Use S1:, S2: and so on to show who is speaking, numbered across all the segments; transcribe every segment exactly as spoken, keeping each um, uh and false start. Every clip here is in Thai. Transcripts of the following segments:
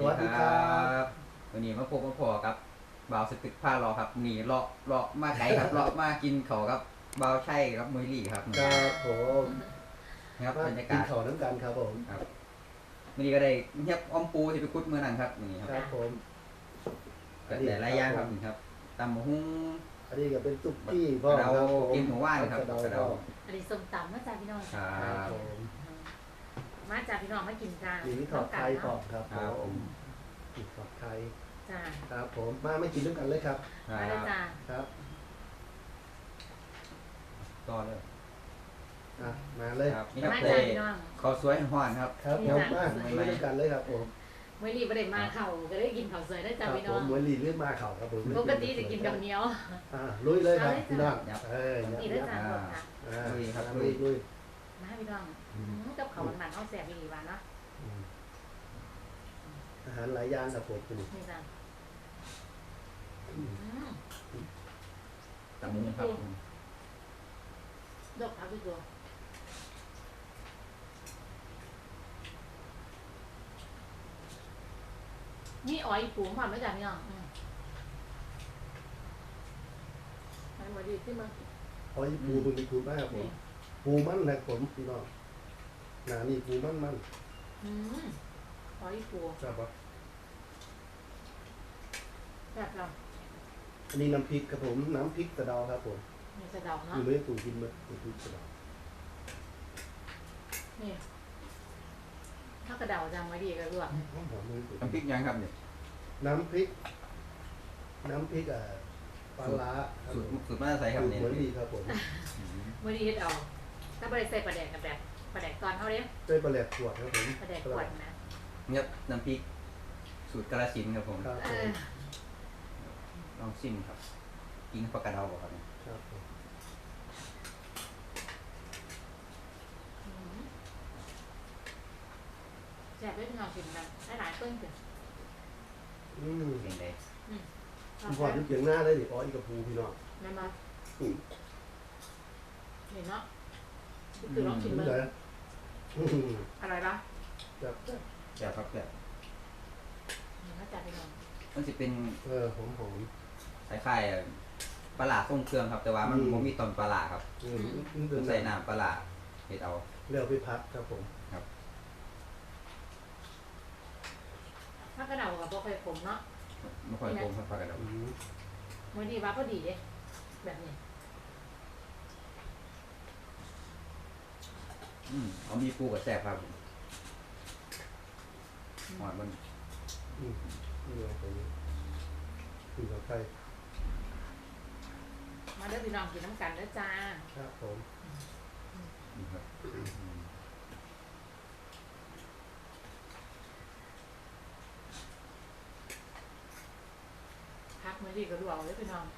S1: สวัสดีครับวันนี้มาพบมาพอครับบ่าวสตึกผ้ารอครับนี่เลาะเลาะมาไกลครับเลาะมากินเขาครับบ่าวใช่ครับมวยลี่ครับ
S2: ครับผม
S1: ครับ
S2: มา
S1: บรรยา
S2: กิน
S1: กาศ
S2: ข้าวน้ำกันครับผม
S1: ครับวันนี้ก็ได้เงียบอ้อมปูที่ไปคุดเมื่อนั้นครับนี่ค
S2: ค
S1: รั
S2: รั
S1: บบ
S2: ผม
S1: ก็แต่หลายอย่างครับนี่ครับตำมะฮุ้ง
S2: อันนี้ก็เป็นซุกี้พ่อ
S1: เรา
S2: ครับผม
S1: กินหัวว่านครับ
S2: กระเดาก
S1: ระเดา
S2: พ่อ
S3: อันนี้ส้มตำมาจากพี่น้อง
S1: ครั
S2: ครับ
S1: บ
S2: ผม
S3: มาจากพี่น้องมากินจ้า
S2: มีวิทอดไทยพ่อครับ
S1: ครับ
S2: ผ
S1: ผม ม
S2: มีทอดไทย
S3: จ้า
S2: ครับผมมาไม่กินด้วยกันเลยครับ
S1: ครั
S3: มาเลย
S1: บ
S3: จ้า
S2: ครับ
S1: ต่อเลย
S2: อ่ะมาเลย
S1: ครับนี่ครับ
S3: มา
S1: เล
S3: จาก
S1: ย
S3: พี่น้อง
S1: ข้าวสวยห่อนครับ
S2: ครับผมมากินด้วยกันเลยครับผม
S3: เมื่อรีบได้มาเข่าก็ได้กินข้าวสวยได้
S2: ค
S3: จ้า
S2: รับ
S3: พี่
S2: ผ
S3: น้อ
S2: ม
S3: ง
S2: มวยลีเลือดมาเข่าครับผม
S3: ปกติจะกินกับเหนียว
S2: อ่าลุยเลยครับ
S3: เอาเลยจ้ะ
S2: พี่น้องเอ้ย
S3: นี่
S2: ยั
S3: ได้
S2: บ
S3: จ้า
S2: ยับ
S3: หมดค่ะ
S2: อ่า
S1: ลุยครับ
S2: ลุยลุย
S3: มาพี่น้องกับเขามันๆเอาแสบอีหลีหวานเนาะ
S2: อืมอาหารหลายอย่างครับผมคุณ
S3: นี่จ้า
S1: ตำมะฮุ้งครับ
S3: ดอกเอาพี่ตัวนี่อ้อยปูความไม่จ้าพี่น้องมันมาดีที่มัน
S2: เอาอีปูตรงนี้ปูมากครับผมปูมันนะผมพี่น้องหนานี่ปูมันมัน
S3: อืมอ้อยปู
S2: ครับปะ
S3: แบบเรา
S2: อันนี้น้ำพริกครับผมน้ำพริกกระเดาครับผม
S3: มีสะเดา
S2: อ
S3: เนาะ
S2: ยู่ไม่ตูกินไหมน้ำพริกกระเดา
S3: นี่ถ้ากระเดาจังไม่ดีก็รวม
S2: หอมหอมเลย
S1: น้ำพริกยังครับเนี่ย
S2: น้ำพริก น้ำพริกอ่ะปลาร้าครับ
S1: สูตร
S2: ผม
S1: สูตรมาใส่ครับ
S2: สูตร
S1: เนี่ย
S2: เหมือนดีครับผม
S3: ไม่ดีเฮ็ดเอา ถ้าบริใส่ปลาแดกกับแบบปลาแดกตอนเขาเด้
S2: ใส่ปลาแหลกขวดครับผม
S3: ปลาแดกขวดนะ
S1: เนี่ยน้ำพริกสูตรกระสินธุ์ครับผม
S2: ครับ
S3: เอ
S2: ผ
S3: อ
S2: ม
S1: ลองชิมครับ กินปลากระเดาบ่ครับเนี่ย
S2: ครับผม
S3: แซ่บด้วยพี่น้องกินกันได้หลายต้นเกิน
S2: อืม
S1: เป็นไง
S2: คุณพ่อยุบเสียงหน้าเลยดิอ๋ออีกกับปูพี่น้อง
S3: แม่มา
S2: อืม
S3: เห็นเนาะคือลองชิม
S2: นี่
S3: มัน
S2: เลยอืม
S3: อะไรบ้าง
S2: ครับ
S1: แซ่บครับแซ่บ
S3: เห็นมาจากพี่น้อง
S1: มันสิเป็น
S2: เออหอมหอม
S1: คล้ายๆปลาหลาทรงเครื่องครับ แต่ว่ามัน
S2: อืม
S1: บ่มีตอนปลาหลาครับ
S2: อืมนี่เป็
S1: มัน นใส่น้ำปลาหลาเฮ็ดเอา
S2: เรียกไปพัดครับผม
S3: ถ้ากระเดากับพวกเคยผมเนาะ
S1: ไม่ค่อยโกงครับปลากระเดา
S2: อืม
S3: ไม่ดีว่าพอดีเด้แบบนี้
S1: อืมเอามีปูกับแซ่บครับหอดมัน
S2: อืมนี่เลยตรงนี้คือกับไข่
S3: มาเด้อพี่น้องกินน้ำกันเด้อจ้า
S2: ครับผม
S1: นี่ครับอืม
S3: พักไม่ดีก็ดูเอาเด้อพี่น้อง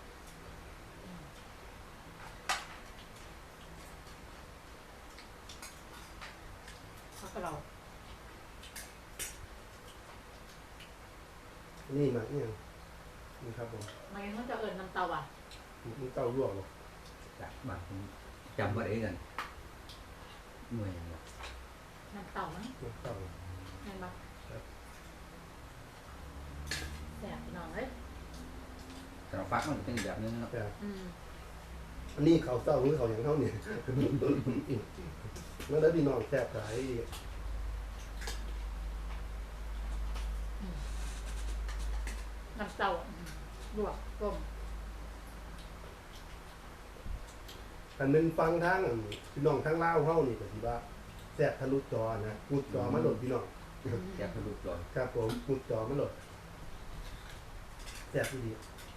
S3: พักกระเดา
S2: นี่มาเนี่ยนี่ครับผม
S3: ไม่งั้นมันจะเอิญน้ำเตาอ่ะ
S2: มันเต้าลวกหรอก
S1: จากบ้านผมจำบ่ได้กันหน่วยอย่างเงี้ย
S3: น้ำเตามั้ง
S2: มันเต้า
S3: เห็นปะ
S2: ครับ
S3: แสบพี่น้องเอ้ย
S1: แต่เราฟักมันจะเป็นอีกแบบนึงเนาะ
S2: แต่
S3: อืม
S2: อันนี้เขาเต้าหรือเขาอย่างเท่าเนี่ยแล้วแล้วพี่น้องแซ่บหลาย
S3: น้ำเตาอืมลวกต้ม
S2: อันนึงฟังทั้งอันพี่น้องทั้งเล่าวเฮานี่ก็สิว่าแซ่บทะลุจอนะมุดจอมาโหลดพี่น้อง
S1: แซ่บทะลุร้อน
S2: ครับผมมุดจอมาโหลดแซ่บดี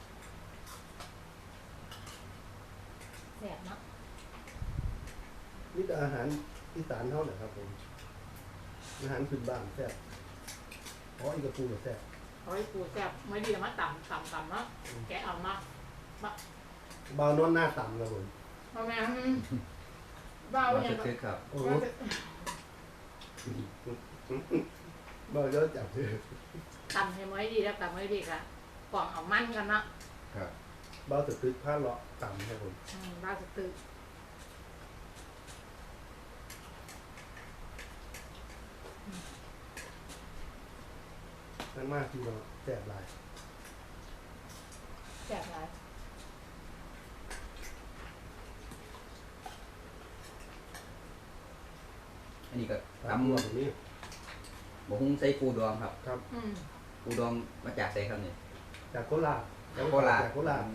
S3: แสบเนาะ
S2: นี่ก็อาหารอีสานเท่าไหร่ครับผมอาหารพื้นบ้านแซ่บอ๋ออีกกระปูก็แซ่บ
S3: เอาไว้ปูแสบไม่ดีมาต่ำต่ำต่ำเนาะแกะเอามา
S2: เบานอนหน้าต่ำครับผม
S3: เอาแม่อืมเบา
S1: มา
S3: เนี่ย
S1: คึกๆครับ
S2: โอ้โหเบาเยอะจังเลย
S3: ต่ำให้ไม่ดีแล้วต่ำไม่ดีกะกล่องเอามันกันเนาะ
S1: ครับ
S2: เบาตึกตึกผ้าเลาะต่ำครับผม
S3: อืมบ้าจะตื่น
S2: นั่นมากที่เราแสบหลาย
S3: แสบหลาย
S1: อันนี้ก็
S2: ตาม
S1: ตำ
S2: รวมนี้
S1: บะฮุ้งใส่ปูดองครับ
S2: ครับ
S3: อืม
S1: ปูดองมาจากไสครับเนี่ย
S2: จากโคราช
S1: โคราช
S2: จากโคราช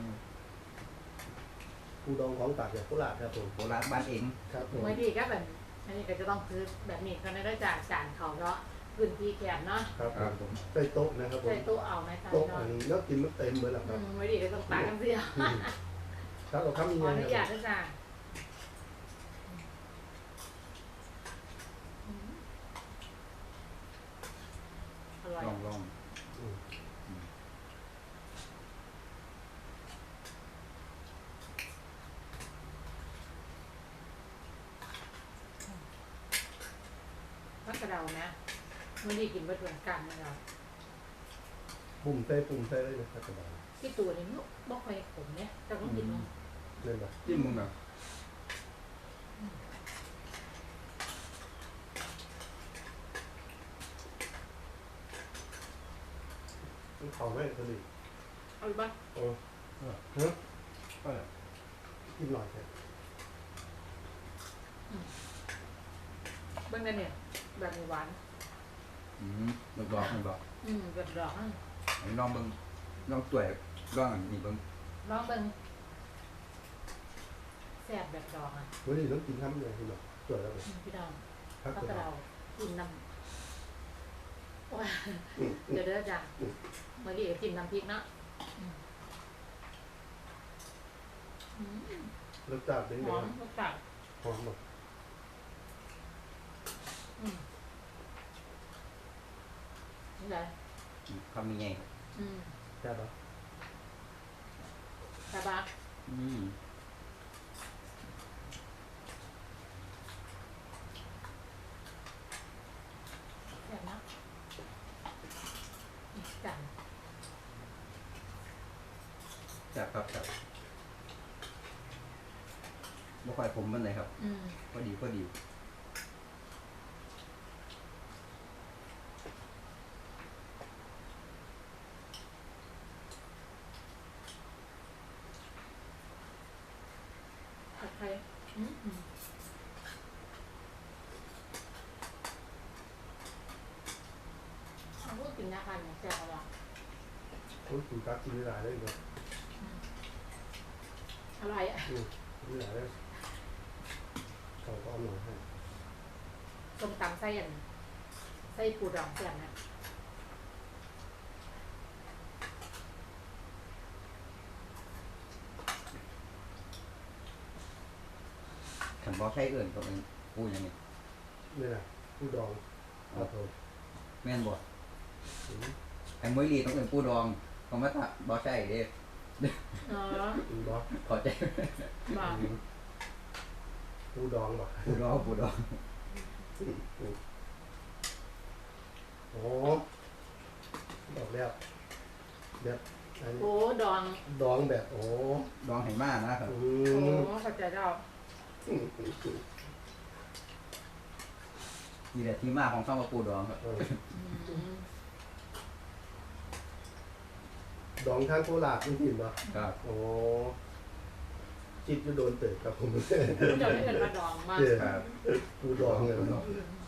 S2: ปูดองของฝากจากโคราชครับผม
S1: โคราชบ้านเอง
S2: ครับผม
S3: เมื่อดีก็แบบอันนี้ก็จะต้องซื้อแบบนี้ก็ได้จากจานเขาเนาะพื้นที่แคบเนาะ
S2: ครับ
S1: ครับ
S2: ผ
S1: ผม ม
S2: ใส่โต๊ะนะครับผม
S3: ใช้ตู้เอาไหมคะ
S2: โต๊ะ
S3: เนาะ
S2: อันนี้แล้วกินมันเต็มเลยหรอค
S3: อื
S2: รับ
S3: มเมื่อดีก็ต้องตากกันเสีย
S2: อืมครับเราทำยัง
S3: ขอ
S2: ไง
S3: อนุ
S2: ค
S3: ญา
S2: รั
S3: ต
S2: บ
S3: นะจ๊ะอืมอร่อย
S1: ลองลอง
S2: อืม
S3: มักกระเดานะเมื่อดีกินเบะเหมือนกันนะเรา
S2: ปุ่มใส่ปุ่มใส่เลยนะครับสบาย
S3: ที่ตัวนี้ลูกบ่ค่อยขมเนี่ยแต่ต้องกินเนาะ
S2: เล่นแบบ
S1: จิ้มมึงแบบ
S2: มันเขาไม่ผลิต
S3: เอาอีกบ้าง
S2: โอ้ฮะ
S1: ก็
S2: กินหน่อยแค่
S3: เบิ้งกันเนี่ยแบบมีหวาน
S1: อืมดอกดอกมันบอก
S3: อืมแบบดอกอ่ะ
S1: ไอ้ลองเบิ่งลองตัวลองอันนี้เบิ่ง
S3: ลองเบิ้งแซ่บแบบดอกอ่ะ
S2: วันนี้ต้องกินทำยังไงพี่หน่อยสวยแล้วผม
S3: อืมพี่ดอง
S2: ครับ
S3: มัก
S2: ผม
S3: กระเดากินน้ำว้า
S2: อืม
S3: เดี๋ยวเด้อจ้ะเมื่อดีก็จิ้มน้ำพริกเนาะอืมอืม
S2: รสจัดเป็น
S3: ห
S2: ไง
S3: อมรสจัด
S2: หอมแบบ
S3: อืมนี่แหละ
S1: คำยังไงครับ
S3: อืม
S2: แซ่บปะ
S3: สบาย
S1: อืม
S3: แซ่บนะอีกจัง
S1: จับครับจับบ่ค่อยผมมันไหนครับ
S3: อืม
S1: พอดีพอดี
S3: ผัดไทยอืมอืมเอาพวกกินนะคะเนี่ยแซ่บอร่อย
S2: โอ้ยกินกั๊กกินไม่ได้เลยเนาะ
S3: อร่อยอ่ะ
S2: อืมกินไม่ได้เลยเขาก็เอาหน่อยให้
S3: ส้มตำไส้อันไส้ปูดองแซ่บนะ
S1: ขันบ่ใช่เอื่นก็เป็นปูอย่างนี้
S2: นี่แหละผู้ดองครับผม
S1: แม่นบ่
S2: อืม
S1: ไอ้มวยลีต้องเอื่นปูดองเขามาถ้าบ่ใช่เด้
S3: เนาะ
S2: อืมบอส
S1: ขอใจ
S3: บอก
S2: อืมผู้ดองบอก
S1: ปูดองปูดอง
S2: โอ้บอกแล้วแบบอัน
S3: โอ้ดอง
S2: ดองแบบโอ้
S1: ดองให้มานะครับ
S2: อื
S3: โอ้
S2: ม
S3: เข้าใจแล้ว
S2: อืมอืมอืม
S1: นี่แหละที่มาของคำว่าปูดองครับ
S2: เออ
S3: อืม
S2: ดองทางโคราชนี่ผิดปะ
S1: ครับ
S2: โอ้จิตจะโดนเตะครับผม
S3: เดี๋ยวนี้เป็นมาดองมา
S2: เจอ
S1: ครับ
S2: กูดองเลย
S1: ปูดอง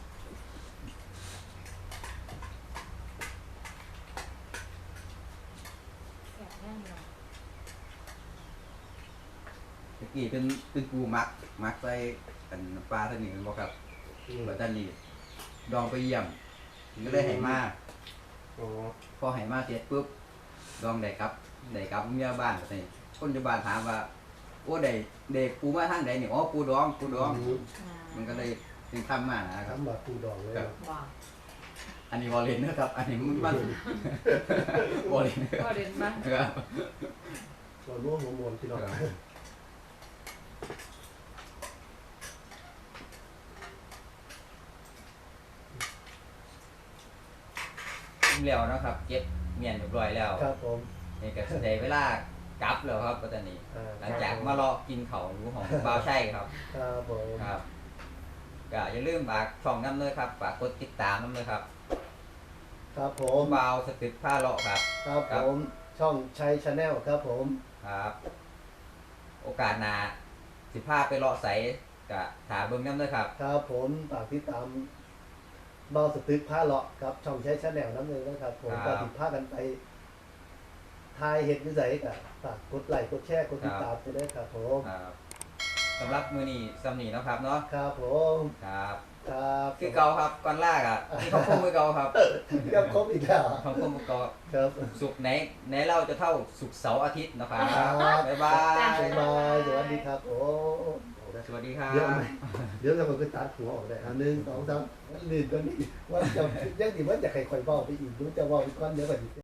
S3: แซ่บแน่นอน
S1: ตะกี้เป็นเป็นปูมักมักใส่อันปลาตัวนี้บ่ครับ
S2: อืม
S1: ปัตตานีดองไปเยี่ยมก็เลยให้มา
S2: อ๋อ
S1: พอให้มาเสร็จปุ๊บดองได้ครับได้กลับเมียบ้านนี่คนอยู่บ้านถามว่าโอ้ได้เด็กปูมาทางใดนี่อ๋อปูดองปูดอง
S2: ม
S3: อ่า
S1: มันก็เลยถึงทำมานะครับ
S2: ทำแบบกูดองเลย
S1: ครับ
S2: เนาะ
S3: บอก
S1: อันนี้วอลเลนนะครับ อันนี้มันมันวอลเลนนะค
S3: ก็
S1: รับ
S3: เด่นบ้าง
S1: ครับ
S2: เราร่วมหัวมวลพี่น้อง
S1: แล้วนะครับเก็บเมียนเรียบร้อยแล้ว
S2: ครับผม
S1: นี่ก็แสดงเวลากลับแล้วครับปัตตานี
S2: อ่
S1: หลังจากมาเลาะกินเขารู้ของบ่าวใช่ครับ
S2: ครับผม
S1: ครับก็อย่าลืมฝากช่องน้ำเลยครับฝากกดติดตามน้ำเลยครับ
S4: ครับผม
S1: บาวสตึกผ้าเลาะครับ
S4: ครับ
S1: ครั
S4: ผ
S1: บ
S4: มช่องชัยชาแนลครับผม
S1: ครับ โอกาสหน้าสิพาไปเลาะใสกะถาเบิ่งน้ำเด้อครับ
S4: ครับผมฝากติดตามเบาสตึกผ้าเลาะครับช่องชัยชาแนลน้ำหนึ่งนะครับผม
S1: ครั
S4: ก็
S1: บ
S4: ติดผ้ากันไปทายเห็ดนิสัยกับฝากกดไลค์กดแชร์กดติดตามไปด้วยครับผม
S1: ครับสำหรับมือนี้สำนีเนาะครับเนาะ
S4: ครับผม
S1: ครับ
S4: ครับ
S1: คือเก่าครับก่อนลากอ่ะนี่ของผมมือเก่าครับ
S4: เรียบครบอีกแล้ว
S1: ของผมมือเก่า
S4: ครับ
S1: สุกร์ไหนไหนเราจะเท่าสุกร์เสาร์อาทิตย์นะครับ
S4: ครับ
S1: บ๊ายบาย
S4: บ๊ายบายสวัสดีครับผม
S1: สวัสดีครั
S2: เดี๋ยว
S1: บ
S2: ไหมเดี๋ยวเราก็ตัดหัวออกได้อันหนึ่งสองสาม
S4: ลืมตัวนี้ว่าจะยังดีว่าจะใครคอยบอกไปอีกรู้จะบอกไปก้อนเยอะกว่านี้